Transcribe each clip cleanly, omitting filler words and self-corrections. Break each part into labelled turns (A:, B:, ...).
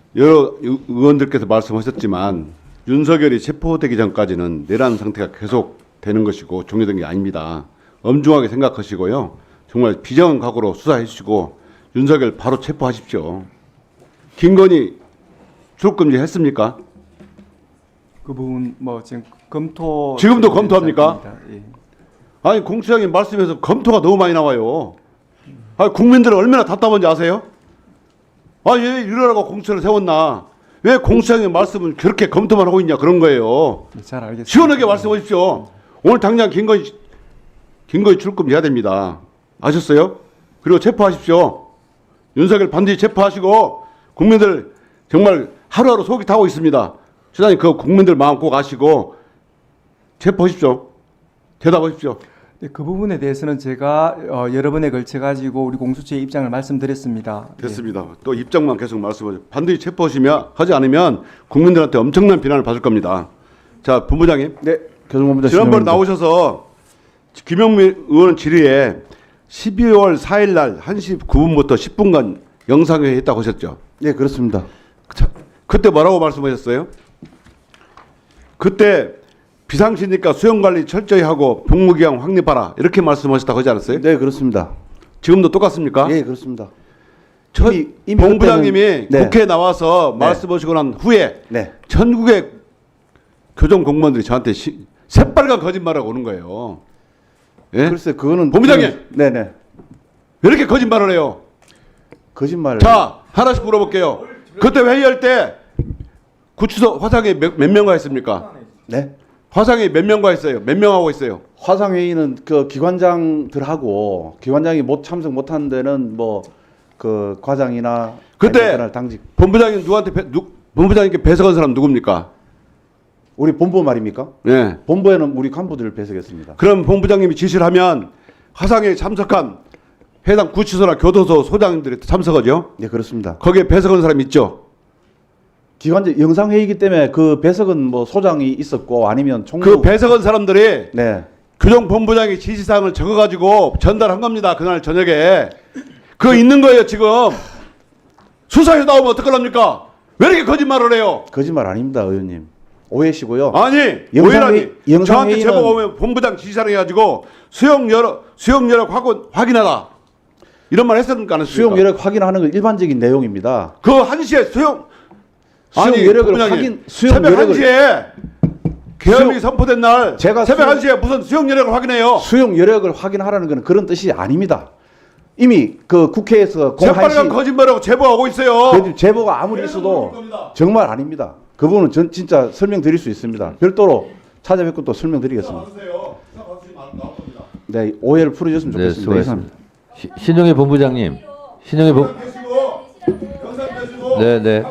A: 여러 의원들께서 말씀하셨지만 윤석열이 체포되기 전까지는 내란 상태가 계속 되는 것이고 종료된 게 아닙니다. 엄중하게 생각하시고요. 정말 비정한 각오로 수사해 주시고 윤석열 바로 체포하십시오. 김건희 출국금지 했습니까?
B: 그 부분 뭐 지금 검토
A: 지금도 검토합니까?
B: 예.
A: 아니 공수장님 말씀에서 검토가 너무 많이 나와요. 아니 국민들은 얼마나 답답한지 아세요? 아니 왜 이러라고 공수처를 세웠나? 왜 공수장님 말씀은 그렇게 검토만 하고 있냐 그런 거예요.
B: 잘 알겠습니다.
A: 시원하게 말씀하십시오. 오늘 당장 김건희 출금 해야 됩니다. 아셨어요? 그리고 체포하십시오. 윤석열 반드시 체포하시고 국민들 정말 하루하루 속이 타고 있습니다. 시장님 그 국민들 마음 꼭 아시고 체포하십시오. 대답하십시오.
B: 네, 그 부분에 대해서는 제가 여러 번에 걸쳐 가지고 우리 공수처의 입장을 말씀드렸습니다.
A: 됐습니다. 또 입장만 계속 말씀하세요. 반드시 체포하시면 하지 않으면 국민들한테 엄청난 비난을 받을 겁니다. 자, 본부장님.
C: 네, 교정본부장
A: 지난번에 나오셔서 김영미 의원 질의에 12월 4일 날 1시 9분부터 10분간 영상회의 했다고 하셨죠?
C: 네, 그렇습니다.
A: 그때 뭐라고 말씀하셨어요? 그때 비상시니까 수용관리 철저히 하고 복무기한 확립하라 이렇게 말씀하셨다고 하지 않았어요?
C: 네, 그렇습니다.
A: 지금도 똑같습니까?
C: 예, 그렇습니다.
A: 첫
C: 이미
A: 본부장님이
C: 그때는- 네.
A: 국회에 나와서
C: 네.
A: 말씀하시고 난 후에
C: 네,
A: 전국의 교정 공무원들이 저한테 새빨간 거짓말하고 오는 거예요. 예?
C: 글쎄 그거는
A: 본부장님!
C: 네, 네,
A: 왜 이렇게 거짓말을 해요?
C: 거짓말.
A: 자, 하나씩 물어볼게요. 그때 회의할 때 구치소 화상에 몇 명과 했습니까?
C: 네,
A: 화상에 몇 명과 했어요? 몇 명하고 있어요?
C: 화상 회의는 그 기관장들하고 기관장이 참석 못한 데는 뭐 그 과장이나
A: 그때
C: 아니면 당직
A: 본부장님 본부장님께 배석한 사람 누굽니까?
C: 우리 본부 말입니까?
A: 예.
C: 본부에는 우리 간부들을 배석했습니다.
A: 그럼 본부장님이 지시를 하면 화상에 참석한 해당 구치소나 교도소 소장들이 참석하죠?
C: 네, 그렇습니다.
A: 거기에 배석한 사람 있죠?
C: 기관장 영상 회의이기 때문에 그 배석은 뭐 소장이 있었고 아니면 총무
A: 그 배석한 사람들이
C: 네,
A: 교정본부장이 지시사항을 적어가지고 전달한 겁니다. 그날 저녁에. 그거 있는 거예요 지금. 수사에 나오면 어떡합니까? 왜 이렇게 거짓말을 해요?
C: 거짓말 아닙니다, 의원님. 오해시고요.
A: 아니 오해라니. 저한테 제보 오면 본부장 지시사항 해가지고 수용 여력 확인하라. 이런 말 했습니까 안 했습니까?
C: 수용 여력 확인하는 건 일반적인 내용입니다.
A: 그 1시에 수용
C: 여력을
A: 본부장님,
C: 확인 수용
A: 새벽
C: 여력을
A: 1시에 계엄이 선포된 날
C: 제가
A: 새벽 1시에 무슨 수용 여력을 확인해요?
C: 수용 여력을 확인하라는 것은 그런 뜻이 아닙니다. 이미 그 국회에서
A: 새빨간 거짓말하고 제보하고 있어요.
C: 그 제보가 아무리 있어도 정말 아닙니다. 그 부분은 전 진짜 설명드릴 수 있습니다. 별도로 찾아뵙고 또 설명드리겠습니다. 네, 오해를 풀어줬으면
D: 네,
C: 좋겠습니다.
D: 수고하셨습니다. 신용희 본부장님, 신용희 본, 네, 네.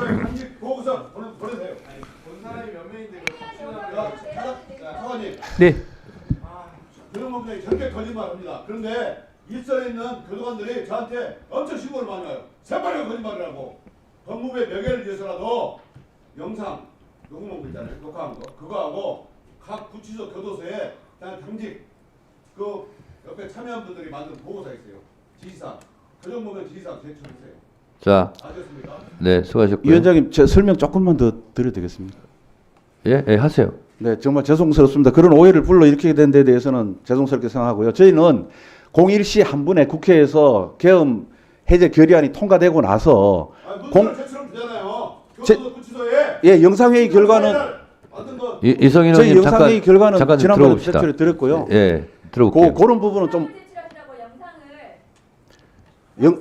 B: 네.
A: 교정본부장이 절대 거짓말합니다. 그런데 일선에 있는 교도관들이 저한테 엄청 신고를 많이 와요. 새빨간 거짓말을 하고 법무부의 명예를 위해서라도 영상 녹음한 거 있잖아요. 녹화한 거 그거 하고 각 구치소 교도소에 그냥 당직 그 옆에 참여한 분들이 만든 보고서 있어요. 지시사항 교정본부장 지시사항 제출하세요.
D: 자,
A: 아셨습니까?
D: 네, 수고하셨고요.
C: 위원장님, 제 설명 조금만 더 드려도 되겠습니까?
D: 예, 예, 하세요.
C: 네, 정말 죄송스럽습니다. 그런 오해를 불러일으키게 된 데 대해서는 죄송스럽게 생각하고요. 저희는 01시 한 분에 국회에서 계엄 해제 결의안이 통과되고 나서
A: 제출하면 되잖아요. 교도소 구치소에
C: 예, 영상회의 결과는
A: 만든 거
D: 이성인
C: 저희
D: 의원님
C: 영상회의 결과는
D: 잠깐
C: 지난번에
D: 들어봅시다.
C: 제출해 드렸고요.
D: 예, 들어볼게요.
C: 그런 부분은 좀 영-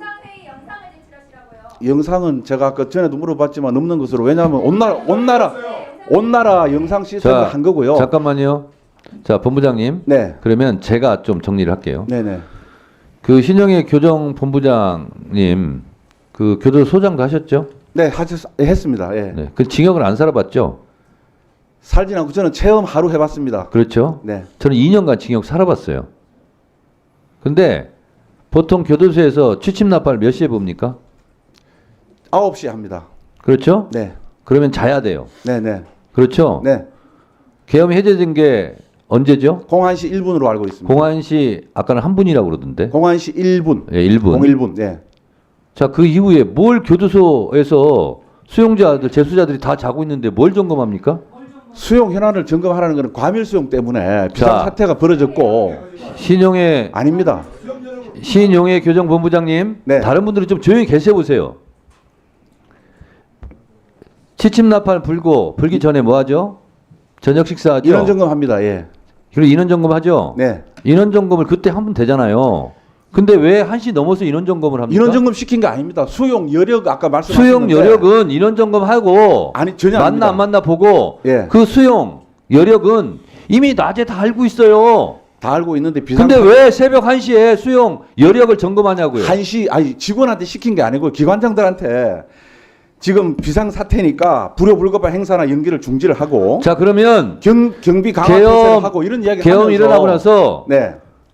C: 영상은 제가 아까 전에도 물어봤지만 없는 것으로, 왜냐하면 온 나라 영상 시스템을 한 거고요.
D: 잠깐만요. 자, 본부장님.
C: 네,
D: 그러면 제가 좀 정리를 할게요.
C: 네, 네.
D: 그 신영희 교정본부장님, 그 교도소장도 하셨죠?
C: 네, 했습니다. 예.
D: 네. 그 징역을 안 살아봤죠?
C: 살진 않고 저는 체험 하루 해봤습니다.
D: 그렇죠?
C: 네,
D: 저는 2년간 징역 살아봤어요. 근데 보통 교도소에서 취침 나팔 몇 시에 봅니까?
C: 9시에 합니다.
D: 그렇죠?
C: 네,
D: 그러면 자야 돼요.
C: 네, 네,
D: 그렇죠?
C: 네.
D: 계엄이 해제된 게 언제죠?
C: 01시 1분으로 알고 있습니다.
D: 공안시 아까는 한 분이라고 그러던데.
C: 01시 1분.
D: 예, 1분.
C: 01분. 네.
D: 자, 그 이후에 뭘 교도소에서 수용자들, 재수자들이 다 자고 있는데 뭘 점검합니까?
C: 수용 현안을 점검하라는 것은 과밀 수용 때문에 비상 사태가 벌어졌고 아닙니다.
D: 신용의 교정본부장님,
C: 네.
D: 다른 분들은 좀 조용히 계셔 보세요. 취침나팔 불기 전에 뭐 하죠? 저녁 식사하죠?
C: 인원 점검합니다. 예.
D: 그리고 인원 점검하죠?
C: 네.
D: 인원 점검을 그때 하면 되잖아요. 근데 왜 1시 넘어서 인원 점검을 합니까?
C: 인원 점검 시킨 거 아닙니다. 수용 여력 아까 말씀하신
D: 수용 여력은 인원 점검하고
C: 아니 전혀
D: 맞나
C: 아닙니다.
D: 안 맞나 보고
C: 예.
D: 그 수용 여력은 이미 낮에 다 알고 있어요.
C: 다 알고 있는데 비상
D: 근데 왜 새벽 1시에 수용 여력을 점검하냐고요.
C: 1시 아니 직원한테 시킨 게 아니고 기관장들한테 지금 비상 사태니까 불효불급한 행사나 연기를 중지를 하고
D: 자, 그러면
C: 경비 강화 태세를 하고 이런 이야기
D: 계엄
C: 하면서
D: 일어나고 나서
C: 네.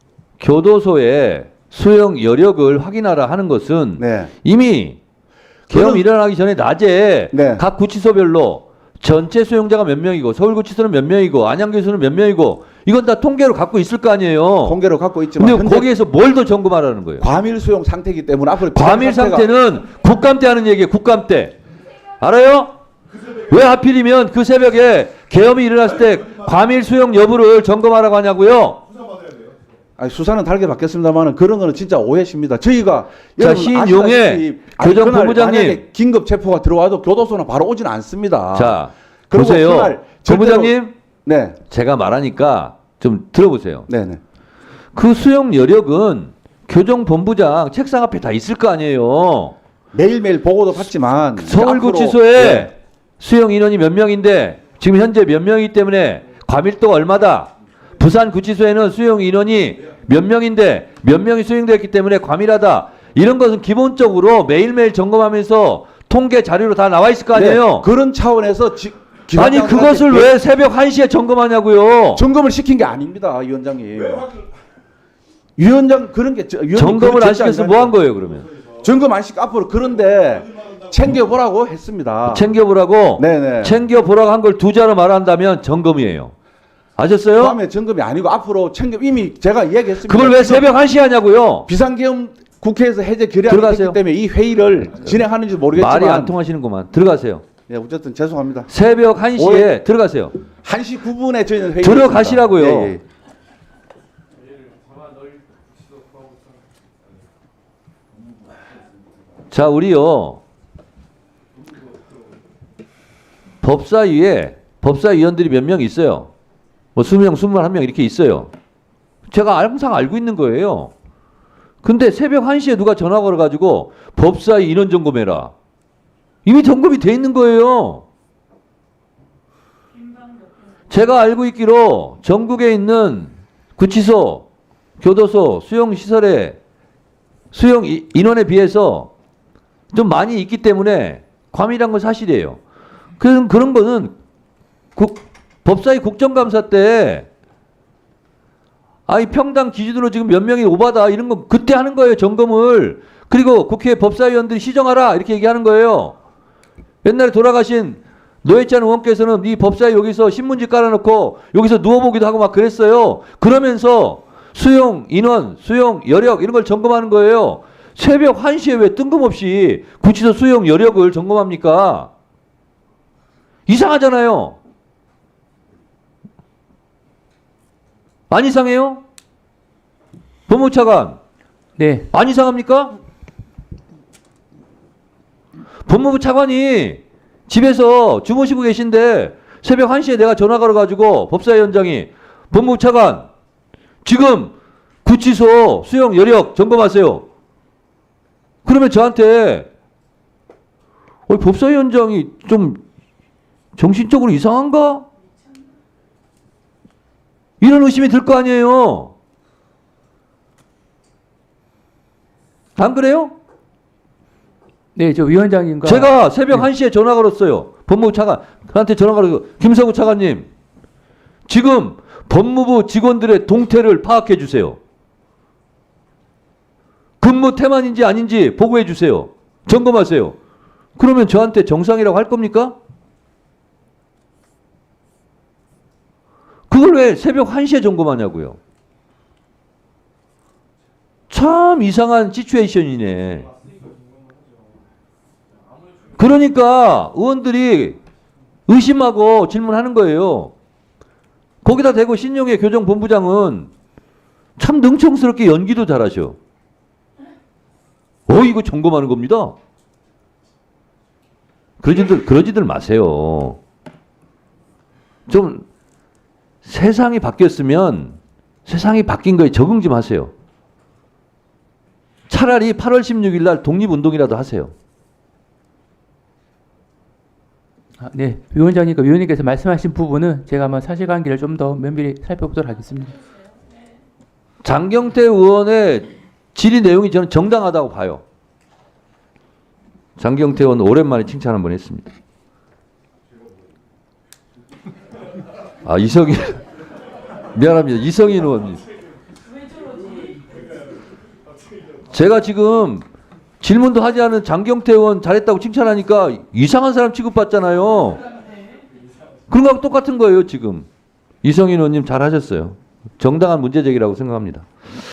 D: 교도소에 수용 여력을 확인하라 하는 것은
C: 네.
D: 이미 계엄
C: 저는-
D: 일어나기 전에 낮에
C: 네.
D: 각 구치소별로 전체 수용자가 몇 명이고 서울구치소는 몇 명이고 안양교수는 몇 명이고 이건 다 통계로 갖고 있을 거 아니에요.
C: 통계로 갖고 있지만
D: 근데
C: 근데
D: 거기에서 뭘 더 점검하라는 거예요.
C: 과밀 수용 상태이기 때문에 앞으로 비상
D: 과밀
C: 사태가-
D: 상태는 국감 때 하는 얘기예요. 국감 때. 알아요? 왜 하필이면 그 새벽에 계엄이 일어났을 때 과밀 수용 여부를 점검하라고 하냐고요.
C: 아니, 수사는 다르게 받겠습니다만 그런 거는 진짜 오해십니다. 저희가
D: 자,
C: 여러분
D: 신용의
C: 아시다시피 아니,
D: 교정본부장님.
C: 그날 만약에 긴급 체포가 들어와도 교도소는 바로 오지는 않습니다.
D: 자,
C: 그리고
D: 보세요.
C: 그날
D: 본부장님,
C: 네,
D: 제가 말하니까 좀 들어보세요.
C: 네, 네.
D: 그 수용 여력은 교정본부장 책상 앞에 다 있을 거 아니에요.
C: 매일매일 보고도 받지만
D: 서울구치소에
C: 앞으로- 네.
D: 수용 인원이 몇 명인데 지금 현재 몇 명이기 때문에 과밀도가 얼마다. 부산구치소에는 수용 인원이 몇 명인데 몇 명이 수용되었기 때문에 과밀하다. 이런 것은 기본적으로 매일매일 점검하면서 통계 자료로 다 나와 있을 거 아니에요.
C: 네, 그런 차원에서
D: 아니 그것을 왜 새벽 1시에 점검하냐고요.
C: 점검을 시킨 게 아닙니다, 위원장님. 위원장 그런 게 위원님
D: 점검을
C: 그런
D: 안 시켜서 뭐 한 거예요 그러면?
C: 점검 안 시켜 앞으로 그런데 챙겨보라고 했습니다.
D: 챙겨보라고?
C: 네네.
D: 챙겨보라고 한 걸 두 자로 말한다면 점검이에요. 아셨어요?
C: 다음에 점검이 아니고 앞으로 이미 제가 얘기했습니다.
D: 그걸 왜
C: 지금
D: 새벽 1시에 하냐고요?
C: 비상계엄 국회에서 해제 결의안이
D: 들어가세요.
C: 됐기 때문에 이 회의를 진행하는지 모르겠지만
D: 말이 안 통하시는구만. 들어가세요.
C: 예, 어쨌든 죄송합니다.
D: 새벽 1시에 들어가세요.
C: 1시 9분에 저희는 회의
D: 들어가시라고요.
C: 예.
D: 자, 우리요. 법사위원들이 몇 명 있어요. 뭐 20명, 21명 이렇게 있어요. 제가 항상 알고 있는 거예요. 근데 새벽 1시에 누가 전화 걸어가지고 법사위 인원 점검해라. 이미 점검이 돼 있는 거예요. 제가 알고 있기로 전국에 있는 구치소, 교도소, 수용시설에 수용 인원에 비해서 좀 많이 있기 때문에 과밀한 건 사실이에요. 그런 거는 법사위 국정감사 때 이 평당 기준으로 지금 몇 명이 오바다 이런 거 그때 하는 거예요. 점검을. 그리고 국회 법사위원들이 시정하라 이렇게 얘기하는 거예요. 옛날에 돌아가신 노회찬 의원께서는 이 법사위 여기서 신문지 깔아놓고 여기서 누워보기도 하고 막 그랬어요. 그러면서 수용 인원, 수용 여력 이런 걸 점검하는 거예요. 새벽 1시에 왜 뜬금없이 구치소 수용 여력을 점검합니까? 이상하잖아요. 안 이상해요? 법무차관.
B: 네.
D: 안 이상합니까? 법무부 차관이 집에서 주무시고 계신데 새벽 1시에 내가 전화 걸어가지고 법사위원장이 법무부 차관 지금 구치소 수용 여력 점검하세요. 그러면 저한테 법사위원장이 좀 정신적으로 이상한가? 이런 의심이 들 거 아니에요. 안 그래요?
B: 네, 저 위원장님과
D: 제가 새벽 1시에 전화 걸었어요. 법무부 차관한테 전화 걸어서 김성우 차관님 지금 법무부 직원들의 동태를 파악해 주세요. 근무 태만인지 아닌지 보고해 주세요. 점검하세요. 그러면 저한테 정상이라고 할 겁니까? 그걸 왜 새벽 1시에 점검하냐고요. 참 이상한 시츄에이션이네. 그러니까 의원들이 의심하고 질문하는 거예요. 거기다 대고 신용의 교정본부장은 참 능청스럽게 연기도 잘하셔. 이거 점검하는 겁니다. 그러지들 마세요. 좀 세상이 바뀌었으면 세상이 바뀐 거에 적응 좀 하세요. 차라리 8월 16일 날 독립운동이라도 하세요.
E: 네, 위원님께서 말씀하신 부분은 제가 한번 사실관계를 좀 더 면밀히 살펴보도록 하겠습니다.
D: 장경태 의원의 질의 내용이 저는 정당하다고 봐요. 장경태 의원 오랜만에 칭찬 한번 했습니다. 이성인 미안합니다. 이성인 의원님. 제가 지금 질문도 하지 않은 장경태 의원 잘했다고 칭찬하니까 이상한 사람 취급받잖아요. 그런 거하고 똑같은 거예요, 지금. 이성인 의원님 잘하셨어요. 정당한 문제 제기라고 생각합니다.